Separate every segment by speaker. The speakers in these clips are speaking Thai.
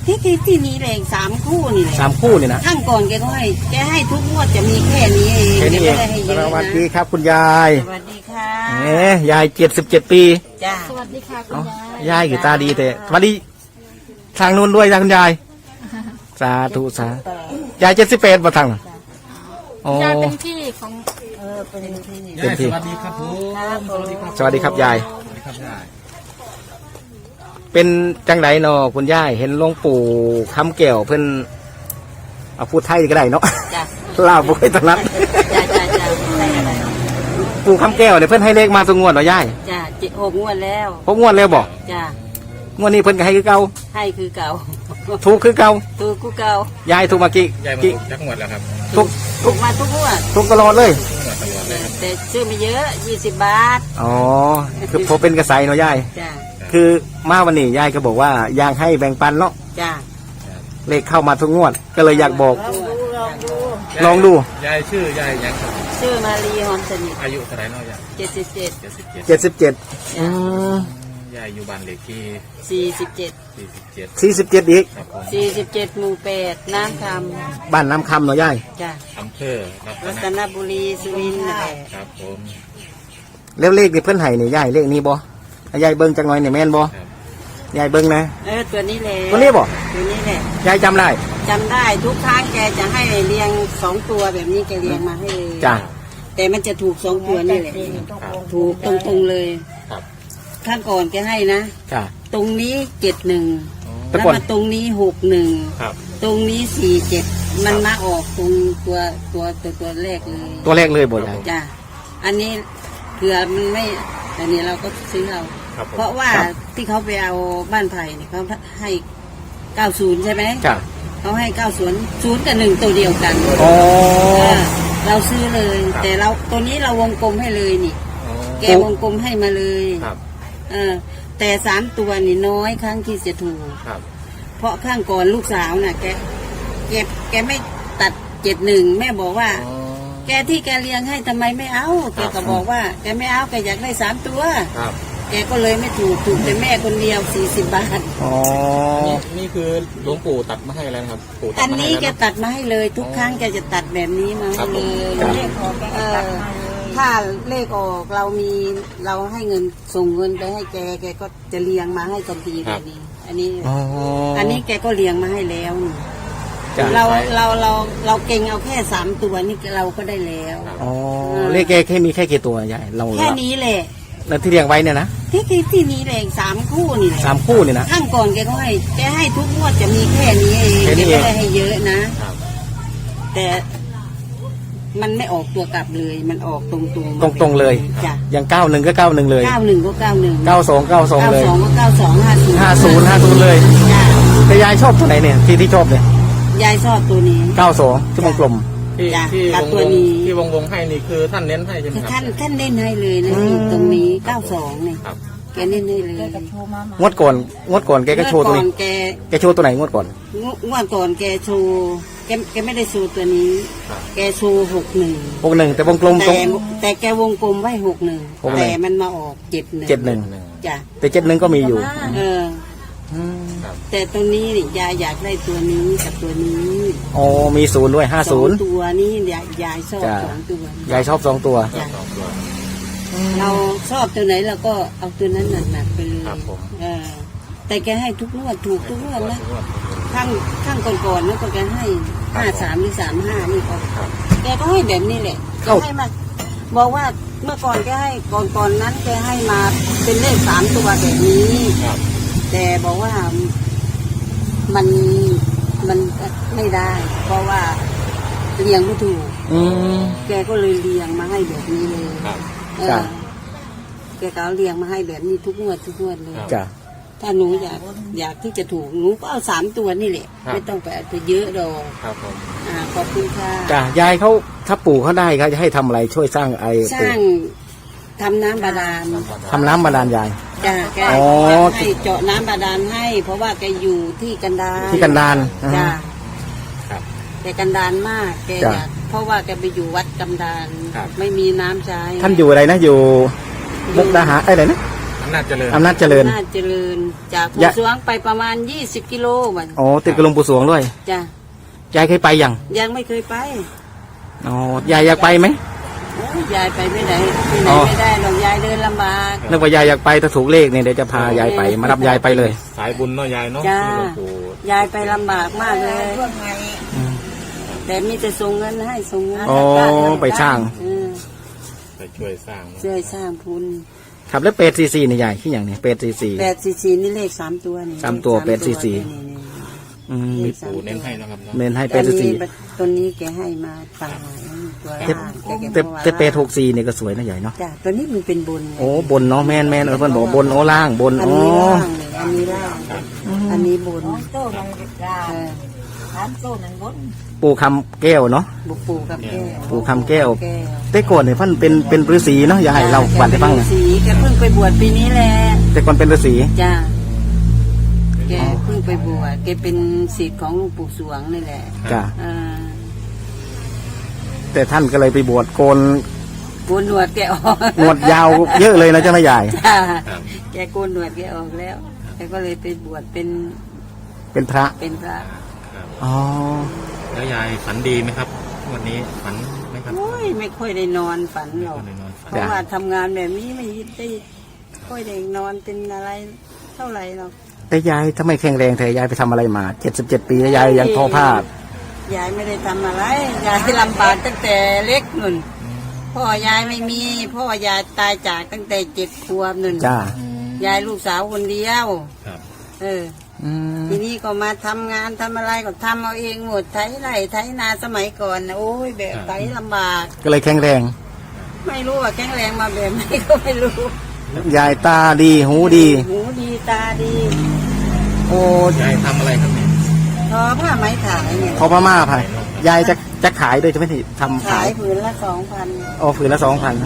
Speaker 1: ที่นี้แรง3 คู่นี่แหละ
Speaker 2: 3 คู่นี่นะ
Speaker 1: ข้างก่อนแกให้ทุกงวดจะมีแค่นี้เอง
Speaker 2: แค่นี้เอง
Speaker 1: ไม่ได้ให้เย
Speaker 2: ส
Speaker 1: อะ
Speaker 2: วัส
Speaker 1: นะ
Speaker 2: ดีครับคุณยาย
Speaker 1: สวัสดีค่ะ
Speaker 2: ยาย77 ปี
Speaker 1: จ้า
Speaker 3: สวัสดีค่ะคุณ
Speaker 2: เอ้าย
Speaker 3: าย
Speaker 2: ยายอยู่ตาดีแต่สวัสดีทางนู้นด้วยนะคุณยายสาธุสายาย78บ่ทางน่ะอ๋อย
Speaker 3: ายเป็นพี่ของ
Speaker 1: เป็นที่นี่
Speaker 2: เป็นที่
Speaker 4: สวัสดีครับผมสวัสดีครับ
Speaker 2: สวัสดีครับยาย
Speaker 4: สวัสดีครับยาย
Speaker 2: เป็นจังไดเนาะคุณยายเห็นหลวงปู่คำแก้วเพิ่นเอาพูดไทยก็ได้เนาะ
Speaker 1: จ้า
Speaker 2: ลาวบ่เคยถนัด
Speaker 1: จ้าได้อะไร
Speaker 2: ปู่คำแก้วเนี่ยเพิ่นให้เลขมาทุกงวดเหรอยาย
Speaker 1: จ้า6 งวดแล้ว
Speaker 2: พบงวดแล้วบ่
Speaker 1: จ้าง
Speaker 2: วดนี้เพิ่นก็ให้คือเก่า
Speaker 1: ให้คือเก่า
Speaker 2: ถูกคือเก่า
Speaker 1: ถูกกูเก่าย
Speaker 2: ายถูกมากี่
Speaker 4: ยายมา
Speaker 2: กี่
Speaker 4: ถูกจักงวดแล้วครับ
Speaker 2: ถูก
Speaker 1: ถูกมาทุกงวด
Speaker 2: ถูกตลอดเลย
Speaker 4: ทุกงวดตลอดเลยครับ
Speaker 1: แต่ซื้อไม่เยอะ20 บาท
Speaker 2: อ๋อคือพอเป็นกระแสเนาะยาย
Speaker 1: จ้า
Speaker 2: คือมาวันนี้ยายก็บอกว่าอยากให้แบ่งปันเนาะ
Speaker 1: จ้า
Speaker 2: เลขเข้ามาทุกงวด ก็เลยอยากบอก ลองดู
Speaker 4: ยายชื่อยายยังครับ
Speaker 1: ชื่อมารีหอมสนิท
Speaker 4: อายุเท่าไหร่เนาะยาย
Speaker 1: 77
Speaker 4: 77
Speaker 2: 77อืม
Speaker 4: ยายอยู่บ้านเลขที่
Speaker 1: 47
Speaker 2: 47อีก
Speaker 4: ครับผม
Speaker 1: 47 หมู่ 8 น้ำค
Speaker 2: บ้านน้ำคำเนาะยาย
Speaker 1: ำจ้า
Speaker 4: อำเภอรั
Speaker 1: รั
Speaker 4: ต
Speaker 1: ต
Speaker 4: น
Speaker 1: นบุรีสุรินทร์นั่นแหละ
Speaker 4: ครับผม
Speaker 2: แล้วเลขที่เพิ่นให้เนี่ยยายเลขนี้บ่ให้ยายเบิ่งจังหน่อยเนี่ยแม่นบ่
Speaker 4: ครับ
Speaker 2: ยายเบิ่งนะ
Speaker 1: ตัวนี้แหละ
Speaker 2: ตัวนี้บ่
Speaker 1: ตัวนี้แหละ
Speaker 2: ยายจำได้
Speaker 1: จำได้ทุกครั้งแกจะให้เรียง2 ตัวแบบนี้แกเรียงมาให้เลย
Speaker 2: จ้ะ
Speaker 1: แต่มันจะถูก2 ตัวนี่แหละถูกตรงๆเลย
Speaker 4: ครับ
Speaker 1: ข้างก่อนแกให้นะ
Speaker 2: จ้ะ
Speaker 1: ตรงนี้71
Speaker 2: แต่
Speaker 1: แล้ว
Speaker 2: ก่อน
Speaker 1: มาตรงนี้61
Speaker 4: ครับ
Speaker 1: ตรงนี้47มันมาออกตรงตัวแรกเลย
Speaker 2: ตัวแรกเลยบ่ยาย
Speaker 1: จ้ะอันนี้เผื่อมันไม่อันนี้เราก็ซื้อเอา
Speaker 4: ครับผม
Speaker 1: เพราะว่าที่เขาไปเอาบ้านไผ่เนี่ยเขาให้90ใช่ไหม
Speaker 2: จ้ะ
Speaker 1: เขาให้90 0 กับ 1 ตัวเดียวกัน
Speaker 2: อ๋อ
Speaker 1: เราซื้อเลย แต่เราตัวนี้เราวงกลมให้เลยนี่
Speaker 4: อ๋อ
Speaker 1: แกวงกลมให้มาเลย
Speaker 4: ครับ
Speaker 1: แต่3 ตัวนี่น้อยครั้งที่จะถูก
Speaker 4: ครับ
Speaker 1: เพราะข้างก่อนลูกสาวน่ะแกไม่ตัด71แม่บอกว่า
Speaker 4: อ๋อ
Speaker 1: แกที่แกเลี้ยงให้ทำไมไม่เอา แกก็บอกว่าแกไม่เอาแกอยากได้3 ตัว
Speaker 4: ครับ
Speaker 1: แกก็เลยไม่ถูกแต่แม่คนเดียว40 บาท
Speaker 2: อ๋อ
Speaker 4: นี่คือหลวงปู่ตัดมาให้แล้วนะครับปู่ตั
Speaker 1: อั
Speaker 4: ด
Speaker 1: น
Speaker 4: มาให้
Speaker 1: นี้
Speaker 4: แล้ว
Speaker 1: แก
Speaker 4: นะ
Speaker 1: ตัดมาให้เลยทุกครั้งแกจะตัดแบบนี้มา
Speaker 4: ครั
Speaker 1: ให้
Speaker 4: บผม
Speaker 1: เลย
Speaker 2: ครับ
Speaker 1: ถ้าเลขออกเราให้เงินส่งเงินไปให้แกก็จะเลี้ยงมาให้ทันทีแบบนี้ อันนี้
Speaker 2: อ๋อ
Speaker 1: อันนี้แกก็เลี้ยงมาให้แล้วนี่
Speaker 2: จ้ะ
Speaker 1: เราเก่งเอาแค่3 ตัวนี่เราก็ได้แล้ว
Speaker 2: อ๋อเลขแกแค่มีแค่กี่ตัวยายเรา
Speaker 1: แค่นี้แหละ
Speaker 2: แล้วที่เรียงไว้เนี่ยนะ
Speaker 1: ที่นี้แหละ3 คู่นี่แหละ
Speaker 2: 3 คู่เนี่ยนะ
Speaker 1: ข้างก่อนแกให้ทุกงวดจะมีแค่นี้เอง
Speaker 2: แค่
Speaker 1: แก
Speaker 2: นี้เอง
Speaker 1: ไม่ได้ให้เยอะนะ
Speaker 4: ครับ
Speaker 1: แต่มันไม่ออกตัวกลับเลย มันออกตรงๆ
Speaker 2: ตรงๆเลย
Speaker 1: จ้ะ
Speaker 2: อย่าง91ก็91เลย
Speaker 1: 91ก็91
Speaker 2: 92 92เลย
Speaker 1: 92ก็92
Speaker 2: 50 50เลย
Speaker 1: จ้ะ
Speaker 2: แต่ยายชอบตัวไหนเนี่ยที่ชอบเนี่ย
Speaker 1: ยายชอบตัวนี้
Speaker 2: 92ที่วงกลม
Speaker 4: ที่
Speaker 1: จ้ะ
Speaker 4: ที่
Speaker 1: กับ
Speaker 4: วง
Speaker 1: ตัว
Speaker 4: วง
Speaker 1: นี้
Speaker 4: ที่วงให้นี่คือท่านเน้นให้ใช่ไหมครับ
Speaker 1: ท่านเล่นให้เลยนะนี่ตรงนี้92เนี่ย
Speaker 4: ครับ
Speaker 1: แกเล่นให้เลย
Speaker 2: งวดก่อนแกก็โชว์ตัวนี้
Speaker 1: เมื่อก่อน
Speaker 2: แกโชว์ตัวไหนงวดก่อน
Speaker 1: งวดก่อนแกโชว์แกไม่ได้โชว์ตัวนี้
Speaker 4: ครับ
Speaker 1: แกโชว์61
Speaker 2: 61แต่วงกลมตรง
Speaker 1: แต่แกวงกลมไว้61แต่มันมาออก71
Speaker 2: 71
Speaker 1: จ้ะ
Speaker 2: แต่71ก็มีอยู่
Speaker 1: เออ แต่ตรงนี้นี่ยายอยากได้ตัวนี้กับตัวนี้
Speaker 2: อ๋อมี0ด้วย
Speaker 1: สอง
Speaker 2: 50
Speaker 1: ตัวนี้ยายชอบ
Speaker 2: จ้ะ
Speaker 1: 2 ตัวย
Speaker 2: ายชอบ2ตัว
Speaker 1: จ้ะ
Speaker 4: สองตัว
Speaker 1: เราชอบตัวไหนเราก็เอาตัวนั้นหนักๆไปเลย
Speaker 4: ครับผม
Speaker 1: แต่แกให้ทุกงวดถูกทุกงวดนะข้างก่อนๆแล้วก็แกให้53หรือ35นี่ก็
Speaker 4: ครับ
Speaker 1: แกก็ให้แบบนี้แหละแกให้มาบอกว่าเมื่อก่อนแกให้ก่อนนั้นแกให้มาเป็นเลข3 ตัวแบบนี้
Speaker 4: ครับ
Speaker 1: แต่บอกว่ามันไม่ได้ เพราะว่าเลี้ยงไม่ถูก
Speaker 2: อืม
Speaker 1: แกก็เลยเลี้ยงมาให้แบบนี้เลย
Speaker 4: ครับ
Speaker 1: เอ
Speaker 2: จ้ะ
Speaker 1: อแกก็เอาเลี้ยงมาให้แบบนี้ทุกงวดเลย
Speaker 2: จ้ะ
Speaker 1: ถ้าหนูอยากที่จะถูกหนูก็เอา3 ตัวนี่แหละ ไม่ต้องไปเอาตัวเยอะดอก
Speaker 4: ครับผม
Speaker 1: ขอบคุณค่ะ
Speaker 2: จ้ะยายเขาถ้าปู่เขาได้เขาจะให้ทำอะไรช่วยสร้างไอ้
Speaker 1: สร้างทำน้ำบาดาล
Speaker 2: ทำน้ำบาดาลยาย
Speaker 1: จ้ะแก
Speaker 2: อ๋อ
Speaker 1: ให้เจาะน้ำบาดาลให้ เพราะว่าแกอยู่ที่กันดาร
Speaker 2: ที่กันดาร
Speaker 1: จ้ะ
Speaker 4: ครับ
Speaker 1: แกกันดารมากแก
Speaker 2: จ้ะ
Speaker 1: อยากเพราะว่าแกไปอยู่วัดกันดาร
Speaker 4: ครับ
Speaker 1: ไม่มีน้ำใช้
Speaker 2: ท่านอยู่อะไรนะอยู่มุกดาหารอะไรนะ
Speaker 4: อำนาจเจริญ
Speaker 2: อำนาจเจริญ
Speaker 1: น่าเจริญจากภูสวงไปประมาณ20 กิโลมัน
Speaker 2: อ๋อติดกับหลวงปู่สวงด้วย
Speaker 1: จ้ะ
Speaker 2: ยายเคยไปยัง
Speaker 1: ยังไม่เคยไป
Speaker 2: อ๋อยายอยากไปไหม
Speaker 1: โอ้ยยายไปไม่ได้ที่ไหน
Speaker 2: อ๋อ
Speaker 1: ไม่ได้หรอกยายเดินลำบาก
Speaker 2: นึกว่ายายอยากไปถ้าถูกเลขเนี่ยเดี๋ยวจะพายายไปมารับยายไปเลย
Speaker 4: สายบุญเนาะยายเนาะ
Speaker 1: จ้า
Speaker 4: ที่หลวงปู่
Speaker 1: ยายไปลำบากมากเลย แต่มีแต่ส่งเงินให้ส่งเงิน
Speaker 2: อ๋อไปสร้าง
Speaker 1: เออ
Speaker 4: ไปช่วยสร้างเนอะ
Speaker 1: ช่วยสร้างพุน
Speaker 2: ครับแล้วเป็ดซีเนี่ยยายที่อย่างนี้เป็ดซี
Speaker 1: 844นี่เลข3 ตัวนี่
Speaker 2: สามตัว
Speaker 1: เลข
Speaker 2: 844
Speaker 1: นี่
Speaker 2: อืม
Speaker 1: เลข
Speaker 4: ปู่เน้นให้นะครับเนาะ
Speaker 2: เน้นให้
Speaker 1: ตั
Speaker 2: เป็
Speaker 1: ว
Speaker 2: ดซี
Speaker 1: นี้ตัวนี้แกให้มาต่างหากตัว
Speaker 2: แต่
Speaker 1: ล่าง
Speaker 2: แต่เป็ด64เนี่ยก็สวยนะใหญ่เนาะ
Speaker 1: จ้ะตัวนี้มันเป็นบุญไง
Speaker 2: โอ้บนเนาะแม่นเพิ่นบอกบนโอ้ล่างบน
Speaker 1: อัน
Speaker 2: อ๋อ
Speaker 1: นี้ล่างเลยอันนี้ล่างอันนี้บุญ
Speaker 3: โต้มันลา
Speaker 1: เออ
Speaker 3: ถามโต้มันบน
Speaker 2: ปู่คำแก้วเนาะ
Speaker 1: บุกปูกับแก้ว
Speaker 2: ปู่คำแก้ว
Speaker 1: แก้ว
Speaker 2: แต่ก่อนเนี่ยเพิ่นเป็นฤาษีเนาะยายเราฝันให้ฟัง
Speaker 1: แก
Speaker 2: นะ
Speaker 1: เป็นฤาษีแกเพิ่งไปบวชปีนี้แหละ
Speaker 2: แต่ก่อนเป็นฤาษี
Speaker 1: จ้าแกเพิ่งไปบวชแกเป็นศิษย์ของหลวงปู่สวงนี่แหละ
Speaker 2: จ้ะ
Speaker 1: อ่า
Speaker 2: แต่ท่านก็เลยไปบวชโกน
Speaker 1: โกนหนวดแกออก
Speaker 2: หนวดยาวเยอะเลยนะเจ้าแม่ยาย
Speaker 1: จ้า
Speaker 4: ครับ
Speaker 1: แกโกนหนวดแกออกแล้วแกก็เลยไปบวชเป็น
Speaker 2: เป็นพระ
Speaker 1: เป็นพระ
Speaker 4: ครับ
Speaker 2: อ๋อ
Speaker 4: แล้วยายฝันดีไหมครับ วันนี้ฝันไหมครับ
Speaker 1: โอ้ยไม่ค่อยได้นอนฝันหรอก
Speaker 4: ไม่ได้นอนฝัน
Speaker 1: เพราะว่าทำงานแบบนี้ไม่ได้ค่อยได้นอนเป็นอะไรเท่าไหร่หรอก
Speaker 2: แต่ยายทำไมแข็งแรงแต่ยายไปทำอะไรมา77 ปีแล้วยายยังทอผ้าย
Speaker 1: ายไม่ได้ทำอะไรยายลำบากตั้งแต่เล็กนุ่นพ่อยายไม่มีพ่อยายตายจากตั้งแต่7 ขวบนุ่น
Speaker 2: จ้าย
Speaker 1: ายลูกสาวคนเดียว
Speaker 4: ครับ
Speaker 1: เออ
Speaker 2: อืม
Speaker 1: ทีนี้ก็มาทำงานทำอะไรก็ทำเอาเองหมดไถไร่ไถนาสมัยก่อนนะโอ้ยแบบไถลำบาก
Speaker 2: ก็เลยแข็งแรง
Speaker 1: ไม่รู้ว่าแข็งแรงมาแบบไหนก็ไม่รู้
Speaker 2: ยายตาดีหูดี
Speaker 1: หูดีตาดี
Speaker 2: โอ้
Speaker 4: ยายทำอะไรครับเนี่ย
Speaker 1: ทอผ้าไหมขายเนี่ย
Speaker 2: ทอพม่าพายยายจะขายด้วยใช่ไหมที่ทำ
Speaker 1: ขา
Speaker 2: ขาย
Speaker 1: ยผืนละ2,000
Speaker 2: โอ้ผืนละ2,000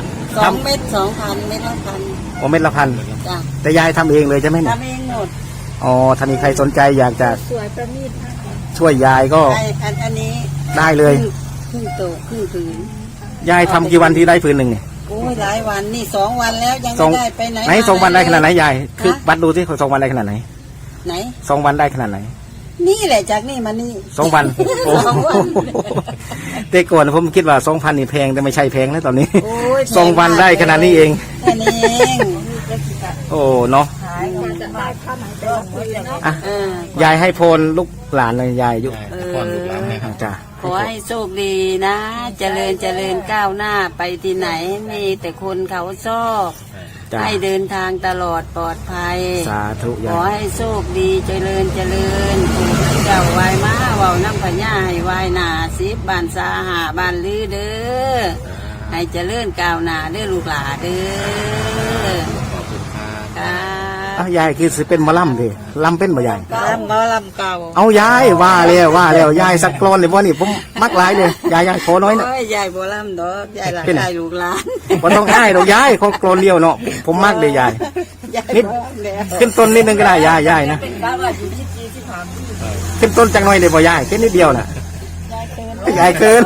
Speaker 1: 2 เม็ด2,000 เม็ดละ1,000
Speaker 2: โอ้เม็ดละพัน
Speaker 1: จ้ะ
Speaker 2: แต่ยายทำเองเลยใช่ไหมเนี่ย
Speaker 1: ทำเองหมด
Speaker 2: อ๋อถ้ามีใครสนใจอยากจะ
Speaker 3: สวยประณีตมาก
Speaker 2: ช่วยยายก็
Speaker 1: อันนี้
Speaker 2: ได้เลย
Speaker 1: ครึ่งโตครึ่งผืน
Speaker 2: ยายทำกี่วันที่ได้ผืนหนึ่งเนี่ย
Speaker 1: โอ้ยหลายวันนี่2 วันแล้วยัง
Speaker 2: สอง
Speaker 1: ไม่ได้ไปไหน
Speaker 2: ไหน
Speaker 1: มา
Speaker 2: 2 วันได้ขนาดไหนยายคือ
Speaker 1: ฮะ
Speaker 2: วัดดูสิ2 วันได้ขนาดไหน
Speaker 1: ไหน
Speaker 2: 2 วันได้ขนาดไหน
Speaker 1: นี่แหละจากนี่มานี่
Speaker 2: 2 วันโอ้
Speaker 1: 2 วัน
Speaker 2: แต่ก่อนผมคิดว่า 2,000นี่แพงแต่ไม่ใช่แพงแล้วตอนนี้
Speaker 1: โอ้ย
Speaker 2: 2 วันได้ขนาดนี้เอง
Speaker 1: แค่นี้เอง
Speaker 2: โอ้เนาะ
Speaker 3: ขายมันจะได้ข้าวหมายไปหมดเลยเนาะ
Speaker 2: อ่ะ
Speaker 1: เออย
Speaker 2: ายให้พรลูกหลานเลยยายอายุ
Speaker 4: ยายป้อนลูกหลานให้ครับ
Speaker 2: จ้า
Speaker 1: ขอให้โชคดีนะ เจริญก้าวหน้าไปที่ไหนมีแต่คนเขาชอบ
Speaker 2: จ้า
Speaker 1: ให้เดินทางตลอดปลอดภัย
Speaker 2: สาธุ
Speaker 1: ข
Speaker 2: ยา
Speaker 1: อย ให้โชคดีเจริญปู่เจ้าวายมาเว้าน้ำพญาให้วายหนา10 บ้านสาหาบ้านลือเด้อให้เจริญก้าวหน้าเด้อลูกหลาเด้อ
Speaker 4: ขอบคุณครับ
Speaker 1: ค่ะ
Speaker 2: อ้าวยายคือสิเป็นหมอลำดิลำเป็นบ่ยาย
Speaker 1: ลำหมอลำเก่า
Speaker 2: เอายายว่าแล้วยายสักกรอนเลยบ่นี่ผมมักหลายเลยยายขอน้อยนะ
Speaker 1: โอ้ยยายบ่ลำดอกยายหลาน
Speaker 2: เป็นไง
Speaker 1: ยายลูกหลาน
Speaker 2: บ่ต้องอ้ายดอกยายขอกรอนเดียวเนาะผมมักเลยยาย
Speaker 1: ยาย
Speaker 2: นิด
Speaker 1: บ่ลำแล้ว
Speaker 2: ขึ้นต้นนิดนึงก็ได้ยายนะ
Speaker 3: เป็นบ้าว่าอยู่ที่จีที่ผ่าน
Speaker 2: ขึ้นต้นจังหน่อยเลยบ่ยายแค่นิดเดียวน่ะยายเกิน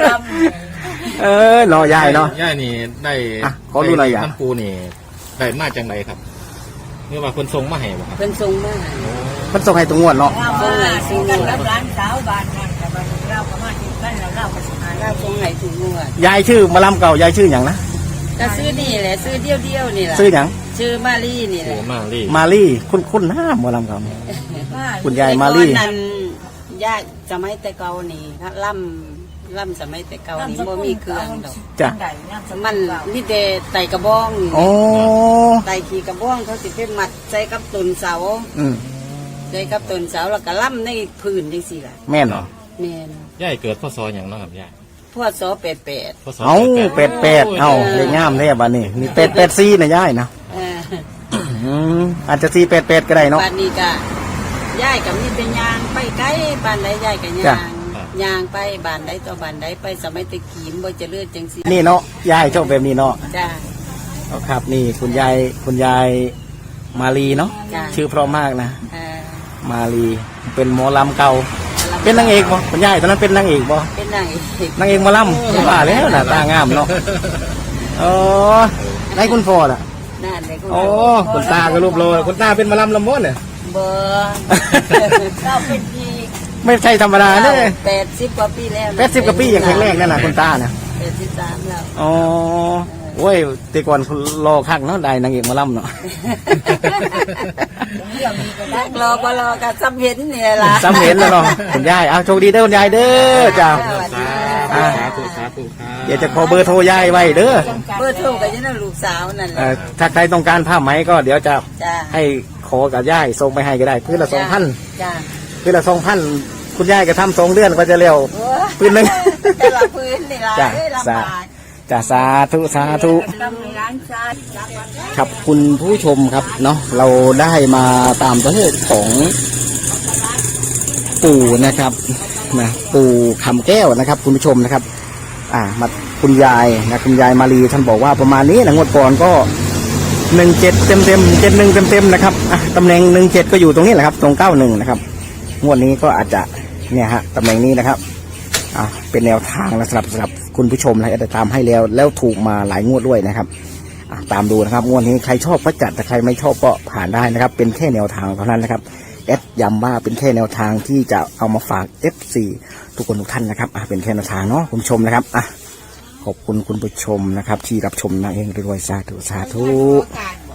Speaker 2: รอยายเนาะ
Speaker 4: ย่านี่ได้
Speaker 2: อ่ะขอดูหน่อยอ่ะ
Speaker 4: ท่านปูนี่ได้มาจังไรครับนี่ว่าคนทรงมาให้บ่ครับ
Speaker 1: เพิ่นส่งมาให้
Speaker 2: มันส่งให้ตรงงวดเนาะ
Speaker 3: เรามาซื้อกันกับร้านสาวบ้านนั่นแต่บ้านเราก็มาที่บ้านเราก็สิหา
Speaker 1: เราส่งให้ถูกงวด
Speaker 2: ยายชื่อหมอลำเก่ายายชื่อหยังนะ
Speaker 1: ก็ซื้อนี่แหละซื้อเดียวๆนี่แหละ
Speaker 2: ชื่อหยัง
Speaker 1: ชื่อมาลี่นี่แห
Speaker 4: โอ้
Speaker 1: ละ
Speaker 4: มาลี่
Speaker 2: มาลี่คุ้นหน้าหมอลำเก่าคุณยายมาลี่
Speaker 1: แต่ก่อนนั้นญาติสมัยแต่เก่านี่ครับล่ำสมัยแต่เก่านี่บ่มีเครื่องดอก
Speaker 2: จ้ะ
Speaker 1: มันนี่แต่ไต่กระบองนี่
Speaker 2: โอ้
Speaker 1: ไต่ขี่กระบองเขาสิไปมัดใส่กับต้นเสา
Speaker 2: อืม
Speaker 1: ใส่กับต้นเสาแล้วก็ล่ำในพื้นจังซี่ล่ะ
Speaker 2: แม่นเหรอ
Speaker 1: แม่น
Speaker 4: ย่าเกิดพ่อซออย่างเน้องครับย่า
Speaker 1: พวดซอ88
Speaker 4: พ่อซอ
Speaker 2: เอา
Speaker 4: 88
Speaker 2: เป็ดเอาเลยงามเลยบ้านนี้นี่เป็ดนะยายนะ
Speaker 1: เออ
Speaker 2: อืมอาจจะเป็ดก็ได้เนาะ
Speaker 1: บ้านนี้ก็ยายก็มีเป็นยางไปไกลบ้านใดยายก็
Speaker 2: จ้ะ
Speaker 1: ยางไปบ้านใดต่อบ้านใดไปสมัยตะกี้มบ่เจะเลือดจังซี่
Speaker 2: นี่เนาะยายชอบแบบนี้เนาะ
Speaker 1: จ้า
Speaker 2: เอาครับนี่คุณยายมาลีเนาะ
Speaker 1: จ้ะ
Speaker 2: ชื่อเพราะมากนะ
Speaker 1: เออ
Speaker 2: มาลีเป็นหมอลำเก่าเป็นนางเอกบ่คุณยายตอนนั้นเป็นนางเอกบ่
Speaker 1: เป็นนางเอก
Speaker 2: นางเอกหมอลำว่าแล้วน่ะตางามเนาะเออได้คุณพ่อล่ะ
Speaker 1: นั่นเลย
Speaker 2: โอ้คุณตาก็รูปโลคุณตาเป็นหมะลำลำม้วนเนี่ย
Speaker 1: เบอร์เราเป็นพี่
Speaker 2: ไม่ใช่ธรรมดาเนี่ย
Speaker 1: 80 กว่าปีแล้ว
Speaker 2: 80 กว่าปีอย่างแข็งแรงนั่นน่ะคุณตาน่ะ
Speaker 1: 83แล้ว
Speaker 2: อ๋อโอ้ยแต่ก่อนคุณรอคักเนาะได้นางเอกหมะลำเนาะ
Speaker 1: นักรอบ่รอกับซ้ำเห็นนี่ล่ะ
Speaker 2: ซ้ำเห็นแล้วเนาะคุณยายเอาโชคดีเด้อคุณยายเด้อจ้า
Speaker 4: สาธุสาธุครับ
Speaker 2: เดี๋ยวจะขอเบอร์โทรยายไว้เด้อ
Speaker 1: เบอร์โทรก็ยังนั่นลูกสาวนั่นแหละ
Speaker 2: ถ้าใครต้องการผ้าไหมก็เดี๋ยวจะ
Speaker 1: จ้า
Speaker 2: ให้ขอกับยายส่งไปให้ก็ได้พื้นละ 2,000
Speaker 1: จ้า
Speaker 2: พื้นละ 2,000 คุณยายก็ทำ2 เดือนก็จะเร็ว พื้นหนึ่ง
Speaker 1: แต่ละพื้นนี่ล่ะ
Speaker 2: จ้ะ
Speaker 1: เอ้ยลำบาก
Speaker 2: จ้าสาธุสาธุ
Speaker 1: ต้องให้ร้านชาติ
Speaker 2: ครับคุณผู้ชมครับเนาะเราได้มาตามตัวเลขของปู่นะครับนะปู่คำแก้วนะครับ คุณผู้ชมนะครับ มาคุณยายนะคุณยายมาลีท่านบอกว่าประมาณนี้นะงวดก่อนก็17เต็ม71เต็มนะครับตำแหน่ง17ก็อยู่ตรงนี้แหละครับตรง91นะครับงวดนี้ก็อาจจะเนี่ยฮะตำแหน่งนี้นะครับเป็นแนวทางนะสำหรับคุณผู้ชมนะได้ตามให้แล้วถูกมาหลายงวดด้วยนะครับตามดูนะครับงวดนี้ใครชอบก็จัดแต่ใครไม่ชอบก็ผ่านได้นะครับ เป็นแค่แนวทางเท่านั้นนะครับย้ำว่าเป็นแค่แนวทางที่จะเอามาฝาก FC ทุกคนทุกท่านนะครับเป็นแค่แนวทางเนาะคุณผู้ชมนะครับขอบคุณคุณผู้ชมนะครับที่รับชมนะเองด้วยสาธุ